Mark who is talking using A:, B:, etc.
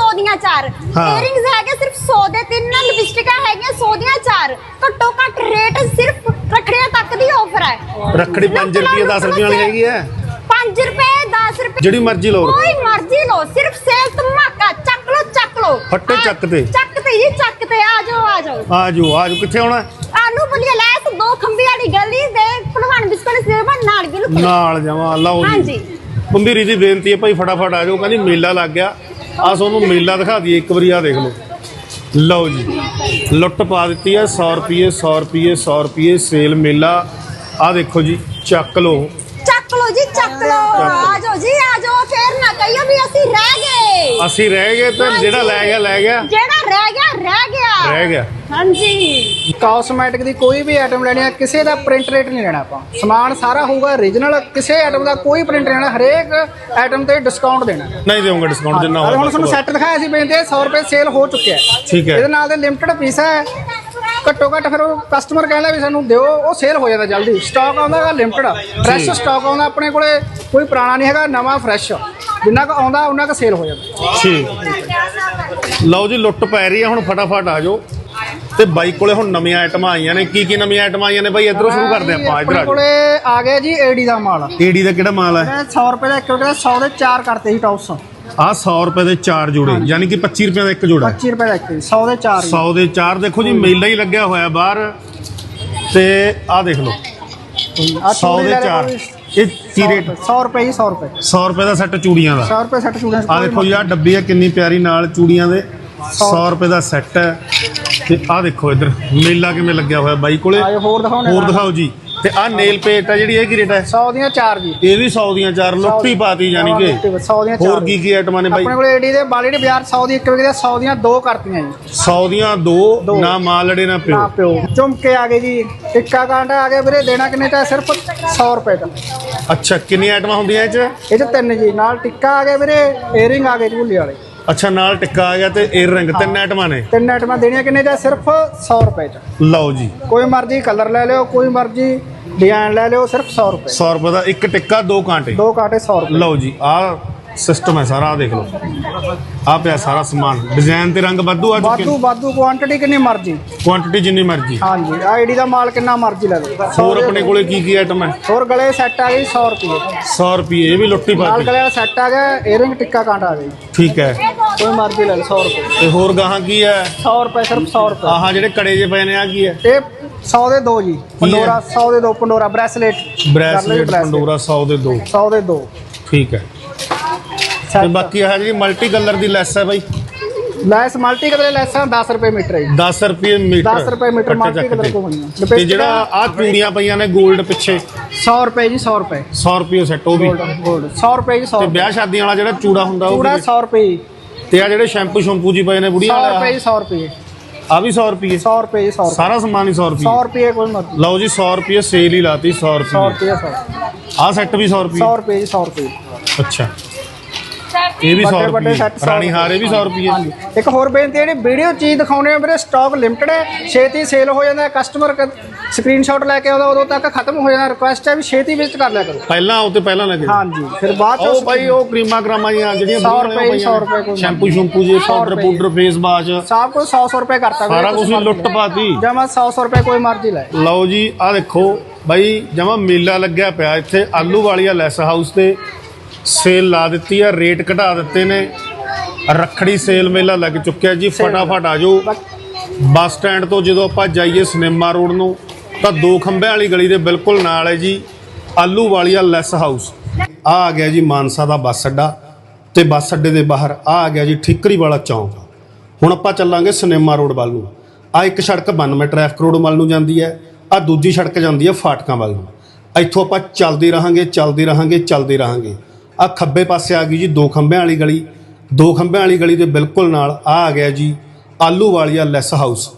A: 100 ਦੀਆਂ 4 ਈਅਰਿੰਗਸ ਹੈਗੇ ਸਿਰਫ 100 ਦੇ 3 ਲਿਪਸਟਿਕਾਂ ਹੈਗੀਆਂ 100 ਦੀਆਂ 4 ਘੱਟੋ ਘੱਟ ਰੇਟ ਸਿਰਫ ਰੱਖੜੀਆਂ ਤੱਕ ਦੀ ਆਫਰ ਹੈ।
B: ਰੱਖੜੀ 5 ਰੁਪਏ 10 ਰੁਪਏ ਵਾਲੀ ਹੈਗੀ ਹੈ
A: 5 ਰੁਪਏ 10 ਰੁਪਏ
B: ਜਿਹੜੀ ਮਰਜ਼ੀ ਲਓ
A: ਕੋਈ ਮਰਜ਼ੀ ਲਓ ਸਿਰਫ ਸੇਲ ਧਮਾਕਾ ਚੱਕ ਲਓ
B: ਫੱਟੇ ਚੱਕ ਤੇ
A: ਜੀ ਚੱਕ ਤੇ ਆ ਜਾਓ
B: ਕਿੱਥੇ ਆਉਣਾ
A: ਆਲੂ ਬੁਲੀਆ ਲੈਸ 2 ਖੰਬੀ ਵਾਲੀ ਗਲੀ ਦੇ ਭਲਵਾਨ ਬਿਸਕੁਟ ਸੇਵਾ ਨਾਲ ਬਿਲਕੁਲ
B: ਨਾਲ ਜਾਵਾਂ ਲਓ ਜੀ
A: ਹਾਂਜੀ
B: ਪੰਬੀਰੀ ਦੀ ਬੇਨਤੀ ਹੈ ਭਾਈ ਫਟਾਫਟ ਆ ਜਾਓ ਕਹਿੰਦੀ ਮੇਲਾ ਲੱਗ ਗਿਆ ਆ ਤੁਹਾਨੂੰ ਮੇਲਾ ਦਿਖਾ ਦਈਏ ਇੱਕ ਵਾਰੀ ਆ ਦੇਖ ਲਓ ਲਓ ਜੀ ਲੁੱਟ ਪਾ ਦਿੱਤੀ ਹੈ 100 ਰੁਪਏ 100 ਰੁਪਏ 100 ਰੁਪਏ ਸੇਲ ਮੇਲਾ ਆ ਦੇਖੋ ਜੀ ਚੱਕ ਲਓ
A: ਜੀ ਚੱਕ ਲਓ ਆ ਜਾਓ ਫੇਰ ਨਾ ਕਹੀਓ ਵੀ ਅਸੀਂ ਰਹਿ ਗਏ
B: ਤੇ ਜਿਹੜਾ ਲੈ ਗਿਆ
A: ਜਿਹੜਾ ਰਹਿ ਗਿਆ ਹਾਂਜੀ।
C: ਕਾਸਮੈਟਿਕ ਦੀ ਕੋਈ ਵੀ ਆਈਟਮ ਲੈਣੀ ਹੈ ਕਿਸੇ ਦਾ ਪ੍ਰਿੰਟ ਰੇਟ ਨਹੀਂ ਲੈਣਾ ਆਪਾਂ ਸਮਾਨ ਸਾਰਾ ਹੋਊਗਾ ਓਰੀਜਨਲ ਕਿਸੇ ਆਈਟਮ ਦਾ ਕੋਈ ਪ੍ਰਿੰਟ ਨਹੀਂ ਲੈਣਾ ਹਰੇਕ ਆਈਟਮ ਤੇ ਡਿਸਕਾਊਂਟ ਦੇਣਾ
B: ਨਹੀਂ ਦੇਵਾਂਗਾ ਡਿਸਕਾਊਂਟ ਜਿੰਨਾ ਹੋਵੇ
C: ਹੁਣ ਤੁਹਾਨੂੰ ਸੈੱਟ ਦਿਖਾਇਆ ਸੀ ਬੇਨਤੀ 100 ਰੁਪਏ ਸੇਲ ਹੋ ਚੁੱਕਿਆ
B: ਠੀਕ ਹੈ
C: ਇਹਦੇ ਨਾਲ ਦੇ ਲਿਮਟਿਡ ਪੀਸ ਹੈ ਘੱਟੋ ਘੱਟ ਫਿਰ ਉਹ ਕਸਟਮਰ ਕਹਿੰਦਾ ਵੀ ਸਾਨੂੰ ਦਿਓ ਉਹ ਸੇਲ ਹੋ ਜਾਂਦਾ ਜਲਦੀ ਸਟਾਕ ਆਉਂਦਾ ਹੈਗਾ ਲਿਮਟਿਡ ਫਰੈਸ਼ ਸਟਾਕ ਆਉਂਦਾ ਆਪਣੇ ਕੋਲੇ ਕੋਈ ਪੁਰਾਣਾ ਨਹੀਂ ਹੈਗਾ ਨਵਾਂ ਫਰੈਸ਼ ਜਿੰਨਾ ਕੁ ਆਉਂਦਾ ਉਹਨਾਂ ਕੁ ਸੇਲ ਹੋ ਜਾਂਦਾ
B: ਠੀਕ ਲਓ ਜੀ ਲੁੱਟ ਪੈ ਰਹੀ ਹੈ ਹੁਣ ਫਟਾਫਟ ਆ ਜਾਓ ਤੇ ਬਾਈ ਕੋਲੇ ਹੁਣ ਨਵੀਆਂ ਆਈਟਮਾਂ ਆਈਆਂ ਨੇ ਕੀ ਨਵੀਆਂ ਆਈਟਮਾਂ ਆਈਆਂ ਨੇ ਬਾਈ ਇਧਰੋਂ ਸ਼ੁਰੂ ਕਰਦੇ ਆਪਾਂ ਇਧਰ ਆ
C: ਕੋਲੇ ਆ ਗਿਆ ਜੀ ਏਡੀ ਦਾ ਮਾਲ
B: ਏਡੀ ਦਾ ਕਿਹੜਾ ਮਾਲ ਹੈ
C: 100 ਰੁਪਏ ਦਾ ਇੱਕ ਰੁਪਏ 100 ਦੇ 4 ਕਰਤੇ ਸੀ ਟੌਪਸ
B: ਆ 100 ਰੁਪਏ ਦੇ 4 ਜੋੜੇ ਯਾਨੀ ਕਿ 25 ਰੁਪਏ ਦਾ ਇੱਕ ਜੋੜਾ
C: 25 ਰੁਪਏ ਦਾ ਇੱਕ 100 ਦੇ 4
B: 100 ਦੇ 4 ਦੇਖੋ ਜੀ ਮੇਲਾ ਹੀ ਲੱਗਿਆ ਹੋਇਆ ਬਾਹਰ ਤੇ ਆ ਦੇਖ ਲਓ 100 ਦੇ 4 ਇਹ ਕੀ ਰੇਟ
C: 100 ਰੁਪਏ ਜੀ 100 ਰੁਪਏ
B: 100 ਰੁਪਏ ਦਾ ਸੈੱਟ ਚੂੜੀਆਂ ਦਾ
C: 100 ਰੁਪਏ ਸੈੱਟ ਚੂੜੀਆਂ
B: ਆ ਦੇਖੋ ਜੀ ਆ ਡੱਬੀ ਹੈ ਕਿੰਨੀ ਪਿਆਰੀ ਨਾਲ ਚੂੜੀਆਂ ਦੇ 100 ਰੁਪਏ ਦਾ ਸੈੱਟ ਹੈ ਤੇ ਆ ਦੇਖੋ ਇੱਧਰ ਮੇਲਾ ਕਿਵੇਂ ਲੱਗਿਆ ਹੋਇਆ ਬਾਈ ਕੋਲੇ
C: ਹੋਰ
B: ਦਿਖਾਓ ਜੀ ਤੇ ਆ ਨੇਲ ਪੇਟ ਹੈ ਜਿਹੜੀ ਇਹ ਕੀ ਰੇਟ ਹੈ
C: 100 ਦੀਆਂ 4 ਜੀ
B: ਇਹ ਵੀ 100 ਦੀਆਂ 4 ਲੁੱਟੀ ਪਾਤੀ ਜਾਨੀ ਕਿ
C: 100 ਦੀਆਂ 4
B: ਹੋਰ ਕੀ ਆਈਟਮਾਂ ਨੇ ਬਾਈ
C: ਆਪਣੇ ਕੋਲ ਏਡੀ ਦੇ ਬਾਲੀ ਦੇ ਬਾਜ਼ਾਰ 100 ਦੀ ਇੱਕ ਵਿਕਦੀ 100 ਦੀਆਂ 2 ਕਰਤੀਆਂ ਜੀ
B: 100 ਦੀਆਂ 2 ਨਾ ਮਾਲ ਲੜੇ ਨਾ ਪਿਓ
C: ਝੁਮਕੇ ਆ ਗਏ ਜੀ ਟਿੱਕਾ ਕਾਂਟਾ ਆ ਗਿਆ ਵੀਰੇ ਦੇਣਾ ਕਿੰਨੇ ਦਾ ਸਿਰਫ 100 ਰੁਪਏ ਦਾ
B: ਅੱਛਾ ਕਿੰਨੀ ਆਈਟਮਾਂ ਹੁੰਦੀਆਂ
C: ਇਹ ਚ 3 ਜੀ ਨਾਲ ਟਿੱਕਾ ਆ ਗਿਆ ਵੀਰੇ ਏਅਰਿੰਗ ਆ ਗਏ ਝੂਲੇ ਵਾਲੇ
B: ਅੱਛਾ ਨਾਲ ਟਿੱਕਾ ਆ ਗਿਆ ਤੇ ਏਅਰ ਰਿੰਗ 3 ਆਈਟਮਾਂ ਨੇ
C: 3 ਆਈਟਮਾਂ ਦੇਣੀਆਂ ਕਿੰਨੇ ਦਾ ਸਿਰਫ 100 ਰੁਪਏ ਚ
B: ਲਓ ਜੀ
C: ਕੋਈ ਮਰਜ਼ੀ ਕਲਰ ਲੈ ਲਿਓ ਕੋਈ ਮਰਜ਼ੀ ਡਿਜ਼ਾਈਨ ਲੈ ਲਿਓ ਸਿਰਫ 100 ਰੁਪਏ
B: 100 ਰੁਪਏ ਦਾ ਇੱਕ ਟਿੱਕਾ 2 ਕਾਂਟੇ
C: 2 ਕਾਂਟੇ 100 ਰੁਪਏ
B: ਲਓ ਜੀ ਆ ਸਿਸਟਮ ਹੈ ਸਾਰਾ ਆ ਦੇਖ ਲਓ ਆ ਪਿਆ ਸਾਰਾ ਸਮਾਨ ਡਿਜ਼ਾਈਨ ਤੇ ਰੰਗ ਵਾਧੂ ਆ ਚੁੱਕੇ
C: ਵਾਧੂ ਕੁਆਂਟੀਟੀ ਕਿੰਨੀ ਮਰਜ਼ੀ
B: ਕੁਆਂਟੀਟੀ ਜਿੰਨੀ ਮਰਜ਼ੀ
C: ਹਾਂਜੀ ਆਈਡੀ ਦਾ ਮਾਲ ਕਿੰਨਾ ਮਰਜ਼ੀ ਲੈ ਲਓ
B: ਹੋਰ ਆਪਣੇ ਕੋਲੇ ਕੀ ਆਈਟਮ ਹੈ
C: ਹੋਰ ਗਲੇ ਸੈੱਟ ਆ ਗਏ 100 ਰੁਪਏ
B: 100 ਰੁਪਏ ਇਹ ਵੀ ਲੁੱਟੀ
C: ਨਾਲ
B: ਪਾਤੀ
C: ਗਲੇ ਵਾਲਾ ਸੈੱਟ ਆ ਗਿਆ ਏਅਰਿੰਗ ਟਿੱਕਾ ਕਾਂਟਾ ਆ ਗਿਆ
B: ਠੀਕ ਹੈ
C: ਕੋਈ ਮਰਜ਼ੀ ਲੈ ਲਓ 100 ਰੁਪਏ
B: ਤੇ ਹੋਰ ਗਾਹਾਂ ਕੀ ਹੈ
C: 100 ਰੁਪਏ ਸਿਰਫ 100 ਰੁਪਏ
B: ਆਹਾਂ ਜਿਹੜੇ ਕੜੇ ਜੇ ਪਏ ਨੇ ਆ ਕੀ ਹੈ
C: ਇਹ 100 ਦੇ 2 ਜੀ ਪੰਡੋਰਾ 100 ਦੇ 2 ਪੰਡੋਰਾ
B: ਬ੍ਰੈਸਲੇਟ ਪੰਡੋਰਾ 100 ਦੇ 2
C: 100 ਦੇ 2
B: ਠੀਕ ਹੈ ਤੇ ਬਾਕੀ ਆ ਜਿਹੜੀ ਮਲਟੀ ਕਲਰ ਦੀ ਲੈਸ ਹੈ ਬਾਈ
C: ਲੈਸ ਮਲਟੀ ਕਲਰ ਲੈਸਾਂ 10 ਰੁਪਏ ਮੀਟਰ ਹੈ
B: 10 ਰੁਪਏ ਮੀਟਰ
C: 10 ਰੁਪਏ ਮੀਟਰ ਮਲਟੀ ਕਲਰ ਕੋ ਹੋਣੀਆਂ
B: ਤੇ ਜਿਹੜਾ ਆ ਚੂੜੀਆਂ ਪਈਆਂ ਨੇ 골ਡ ਪਿੱਛੇ
C: 100 ਰੁਪਏ ਜੀ 100 ਰੁਪਏ
B: 100 ਰੁਪਏ ਸੈੱਟ ਉਹ ਵੀ
C: 골ਡ 100 ਰੁਪਏ ਜੀ 100
B: ਤੇ ਵਿਆਹ ਸ਼ਾਦੀਆਂ ਵਾਲਾ ਜਿਹੜਾ ਚੂੜਾ ਹੁੰਦਾ ਉਹ
C: ਚੂੜਾ 100 ਰੁਪਏ
B: ਤੇ ਆ ਜਿਹੜੇ ਸ਼ੈਂਪੂ ਜੀ ਪਏ ਨੇ ਬੁੜੀਆਂ
C: 100 ਰੁਪਏ ਜੀ 100 ਰੁਪਏ
B: ਆ ਵੀ 100 ਰੁਪਏ
C: 100 ਰੁਪਏ ਜੀ 100
B: ਸਾਰਾ ਸਮਾਨ ਹੀ 100 ਰੁਪਏ
C: 100 ਰੁਪਏ ਕੋਈ ਮਰਜ਼ੀ
B: ਲਓ ਜੀ 100 ਰੁਪਏ ਸੇਲ ਹੀ ਲਾਤੀ 100
C: 100
B: ਰੁਪਏ
C: ਰੁਪਏ 100
B: ਆ ਸੈੱਟ ਵੀ 100 ਰੁਪਏ
C: 100 ਰੁਪਏ ਜੀ 100 ਰੁਪਏ
B: ਅੱਛਾ ਇਹ ਵੀ 100
C: ਵੱਡੇ
B: ਰੁਪਏ
C: ਸੈੱਟ
B: ਰਾਣੀ ਹਾਰ ਇਹ ਵੀ 100 ਰੁਪਏ
C: ਇੱਕ ਹੋਰ ਬੇਨਤੀ ਜਿਹੜੀ ਵੀਡੀਓ ਚੀਜ਼ ਦਿਖਾਉਣੇ ਆ ਵੀਰੇ ਸਟਾਕ ਲਿਮਟਿਡ ਹੈ ਛੇਤੀ ਸੇਲ ਹੋ ਜਾਂਦਾ ਕਸਟਮਰ ਸਕਰੀਨਸ਼ਾਟ ਲੈ ਕੇ ਆਉਂਦਾ ਉਦੋਂ ਤੱਕ ਖਤਮ ਹੋ ਜਾਂਦਾ ਰਿਕੁਐਸਟ ਹੈ ਵੀ ਛੇਤੀ ਵਿਜ਼ਿਟ ਕਰ ਲਿਆ ਕਰੋ
B: ਪਹਿਲਾਂ ਉਹ ਤੇ ਪਹਿਲਾਂ ਲੱਗੇ
C: ਹਾਂਜੀ ਫਿਰ ਬਾਅਦ
B: ਉਹ ਭਾਈ ਉਹ ਕਰੀਮਾਂ ਕਰਾਮਾਂ ਜੀਆਂ ਜਿਹੜੀਆਂ
C: 100 ਰੁਪਏ 100 ਰੁਪਏ ਕੋਈ
B: ਸ਼ੈਂਪੂ ਜੀ ਪਾਊਡਰ ਫੇਸ ਵਾਸ਼
C: ਸਭ ਕੁਝ 100 ਰੁਪਏ ਕਰਤਾ
B: ਸਾਰਾ ਕੁਝ ਲੁੱਟ ਪਾਤੀ
C: ਜਮਾ 100 ਰੁਪਏ ਕੋਈ ਮਰਜ਼ੀ ਲੈ
B: ਲਓ ਜੀ ਆ ਦੇਖੋ ਬਾਈ ਜਮਾ ਮੇਲਾ ਲੱਗਿਆ ਪਿਆ ਇੱਥੇ ਆਲੂ ਵਾਲੀਆ ਲੈਸ ਹਾਊਸ ਤੇ ਸੇਲ ਲਾ ਦਿੱਤੀ ਆ ਰੇਟ ਘਟਾ ਦਿੱਤੇ ਨੇ ਰੱਖੜੀ ਸੇਲ ਮੇਲਾ ਲੱਗ ਚੁੱਕਿਆ ਜੀ ਫਟਾਫਟ ਆ ਜਾਓ ਬੱਸ ਸਟੈਂਡ ਤੋਂ ਜਦੋਂ ਆਪਾਂ ਜਾਈਏ ਸਿਨੇਮਾ ਰੋਡ ਨੂੰ ਤਾਂ 2 ਖੰਭਿਆਂ ਵਾਲੀ ਗਲੀ ਦੇ ਬਿਲਕੁਲ ਨਾਲ ਹੈ ਜੀ ਆਲੂ ਵਾਲੀਆ ਲੈਸ ਹਾਊਸ ਆ ਗਿਆ ਜੀ ਮਾਨਸਾ ਦਾ ਬੱਸ ਅੱਡਾ ਤੇ ਬੱਸ ਅੱਡੇ ਦੇ ਬਾਹਰ ਆ ਗਿਆ ਜੀ ਠਿਕਰੀ ਵਾਲਾ ਚੌਂਕ ਹੁਣ ਆਪਾਂ ਚੱਲਾਂਗੇ ਸਿਨੇਮਾ ਰੋਡ ਵੱਲ ਨੂੰ ਆ ਇੱਕ ਸੜਕ 92 ਟ੍ਰੈਫਿਕ ਰੋਡ ਵੱਲ ਨੂੰ ਜਾਂਦੀ ਹੈ ਆ ਦੂਜੀ ਸੜਕ ਜਾਂਦੀ ਹੈ ਫਾਟਕਾਂ ਵੱਲ ਨੂੰ ਇੱਥੋਂ ਆਪਾਂ ਚੱਲਦੇ ਰਹਾਂਗੇ ਆ ਖੱਬੇ ਪਾਸੇ ਆ ਗਈ ਜੀ 2 ਖੰਭਿਆਂ ਵਾਲੀ ਗਲੀ 2 ਖੰਭਿਆਂ ਵਾਲੀ ਗਲੀ ਦੇ ਬਿਲਕੁਲ ਨਾਲ ਆ ਗਿਆ ਜੀ ਆਲੂ ਵਾਲੀਆ ਲੈਸ ਹਾਊਸ